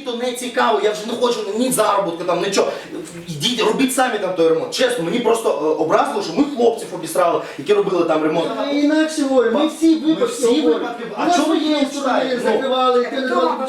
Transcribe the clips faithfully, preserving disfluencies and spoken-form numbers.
то не цікаво, я вже не хочу ні заробітку, там, нічого. Йдіть, робіть самі там той ремонт. Чесно, мені просто е, образило, що ми хлопців обісрали, які робили там ремонт. Ми інакше говоримо, ми всі випадки всі говоримо. випадки. У А нас чого ви є їх сторони читаєте? закривали, ти не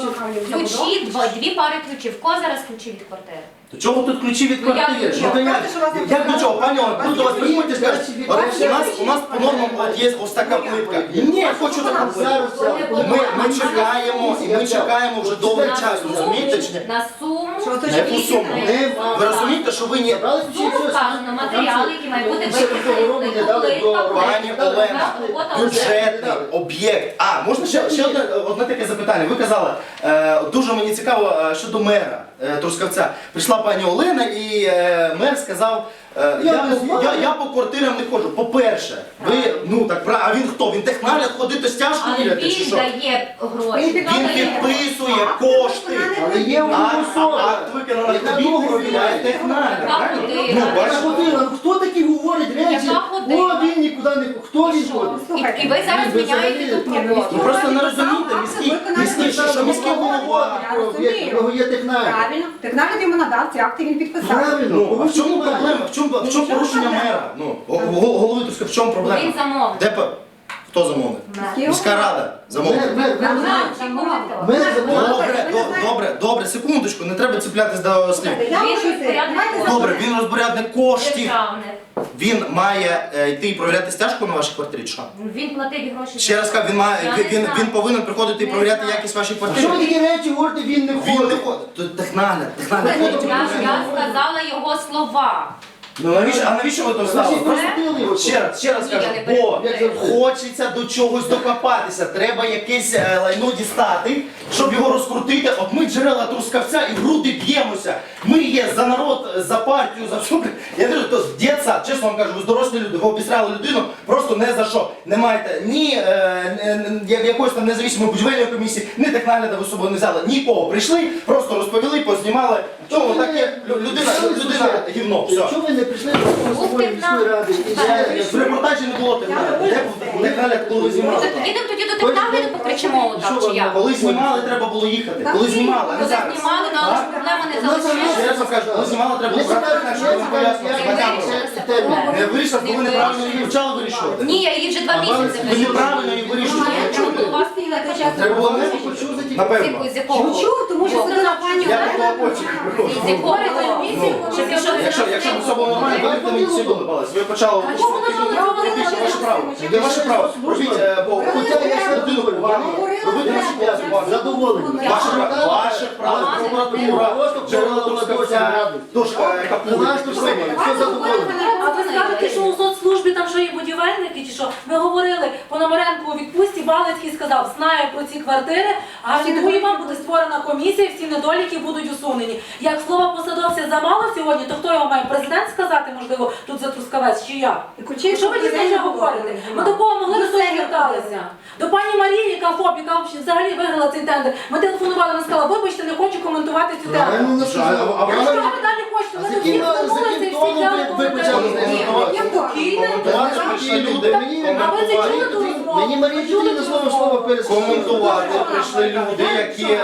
Ключі, два, дві пари ключів. В кого зараз ключі від квартири? До чого тут ключі від Ну, як квартири? до Що чого? то як? Просто, що вас не Як до чого? Пані Олена, тут до вас приходять і скажуть, Ваші от ваші у нас, ключі у нас по нормам от є ось така плитка. Ні, я хочу таку плитку. Зараз, зараз. Ми, ми чекаємо, і ми чекаємо вже довгий час, розумієте чи ні? На суму. На яку суму? Ви розумієте, що ви ні... Забрали ключі, Суму все, вказано, матеріали, які мають бути Ще такого року не дали до Пані Олена, бюджетний об'єкт. А, можна ще, ще одне, одне таке запитання. Ви казали, е, дуже мені цікаво е, щодо мера е, Трускавця. Прийшла пані Олена і е, мер сказав, е, я, Я по, не знаю. я, я по квартирам не ходжу. По-перше, ви, ну так, пра- а він хто? Він технагляд ходити стяжку Але міряти чи він що? дає гроші. Він Він підписує кошти. Але є у А, нього а, особа. акт виконано Яка тобі довго провіряє відбувається. технагляд, Яка правильно? година? Ну, Яка бачите? година? Ну, хто такі говорить речі? Яка година? О, він нікуди не... Хто він Що? ходить? І, і ви зараз Ви міняєте взагалі- тут Ні, ну, роботу. Ви просто не розумієте, міський, міський, що, що міський голова. Я розумію. Його є технагляд. Правильно. Технагляд йому надав, ці акти він підписав. Правильно. Ну, а в чому Немає. проблема? В чому, в чому порушення мера? Ну, го- го- голови Трускавця, в чому проблема? Він замовник. Де по- Хто замовник? Міський Міська рада замовник. Мер, мер, мер, Нам мер. чи коментар? Мер замовник. Добре, до- добре, добре, секундочку, не треба цеплятись до слів. Я Він хочу йти. розпорядник Давайте коштів. Добре, він розпорядник коштів. Державник. Він має е, йти і провіряти стяжку на вашій квартирі, чи що? Він платить гроші. Ще раз кажу, він, має, Я він, не він, знаю. він повинен приходити і Не провіряти знаю. якість вашої А що квартири. ви такі речі говорите, він не Він не ходить? ходить. Тут технагляд, технагляд. Я, ходить і я провіряє. сказала його слова. Ну навіщо, а навіщо ви то Значить, стали? просудили його. Ще раз, ще раз Ні, я кажу, не бо перепрошую. хочеться до чогось докопатися, треба якесь е, лайно дістати, щоб його розкрутити. От ми джерела Трускавця і в груди б'ємося. Ми є за народ, за партію, за все. Я кажу, то з дєтса, чесно вам кажу, ви дорослі люди, ви обісрали людину просто не за що. Не маєте ні е, е, е, якоїсь там независимої будівельної комісії, ні технагляда ви з собою не взяли, нікого. Прийшли, просто розповіли, познімали. Чому таке людина, людина гівно, все. Чого ви не прийшли до Московської міської ради? І ще- В репортажі не було технагляду. Де був технагляд, коли ви знімали? Так підемо тоді до технагляду покричимо Що отак, чи ви, як? Коли знімали, треба було їхати. Коли знімали, а не Коли зараз. знімали, ну, але ж проблема не залишилася. Я вам кажу, коли знімали, треба було брати технагляд, щоб вам пояснити. Не вирішилася проблема. Не вирішили, коли ви неправильно її вивчали, вирішувати. Ні, я її вже два місяці Ви вирішую. неправильно її вирішуєте. Треба було вас спілити. Треба було не Почув за ті- Напевно. З якого? Чув, тому що сказала пані Я Олена. такого почерк З приходжу. якого? Ну, Щоб пішов Якщо, якщо б все було нормально, ви б мені всі долибались. Ви почали А чому вона Це говорила? ваше право. Це ваше право. Робіть е, по Хоча я ще людину повагу. Робіть вашу працю. задоволений. Ваше право. Ваше право. Прокуратура, джерела Трускавця, дошка, Наш тут все, все задоволений. А ви скажете, що у соцслужбі там що є будівельники, чи що? Ми говорили, Пономаренко у відпустці, Балицький сказав, знає про ці квартири, гарантує вам, буде створена комісія, всі недоліки будуть усунені. Як слово посадовця замало сьогодні, то хто його має? Президент сказати, можливо, тут за Трускавець, чи я? Що ви дійсно говорите? Ми до кого могли, до того зверталися? До пані Марії, яка ФОП, яка взагалі виграла цей тендер. Ми телефонували, вона сказала, вибачте, не хочу коментувати цю тему. Правильно, ну що? А Що вона- ви далі хочете? А Ми з тут всі яким- з втомилися яким і всі тоном взяли ви- ви почали з нею коментарі. розмовляти? Ні, Коментувати прийшли люди. Мені- А ви це чули ту Коментувати. розмову? Мені Марія Петрівна слово слово пересказала. Коментувати прийшли люди, які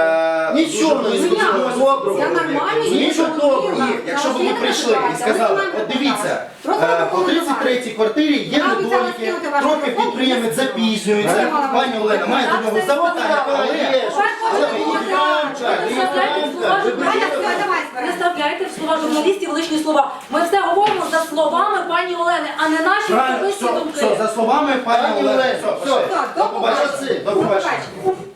е, Нічого, дуже близько нічого до нас. доброго. Я нормально, Нічого я доброго. І якщо б ви прийшли і сказали, от дивіться, е, по тридцять третій квартирі є недоліки, трохи підприємець запізнюється, пані Олена має до нього запитання, але... Але ви їх рамча, ви їх рамча, ви Не вставляйте в слова журналістів лишні слова. Ми все говоримо за словами пані Олени, а не наші Правильно, особисті все, думки. все, за словами пані Пані Олени, Олено, все, все, все, до побачення, до побачення.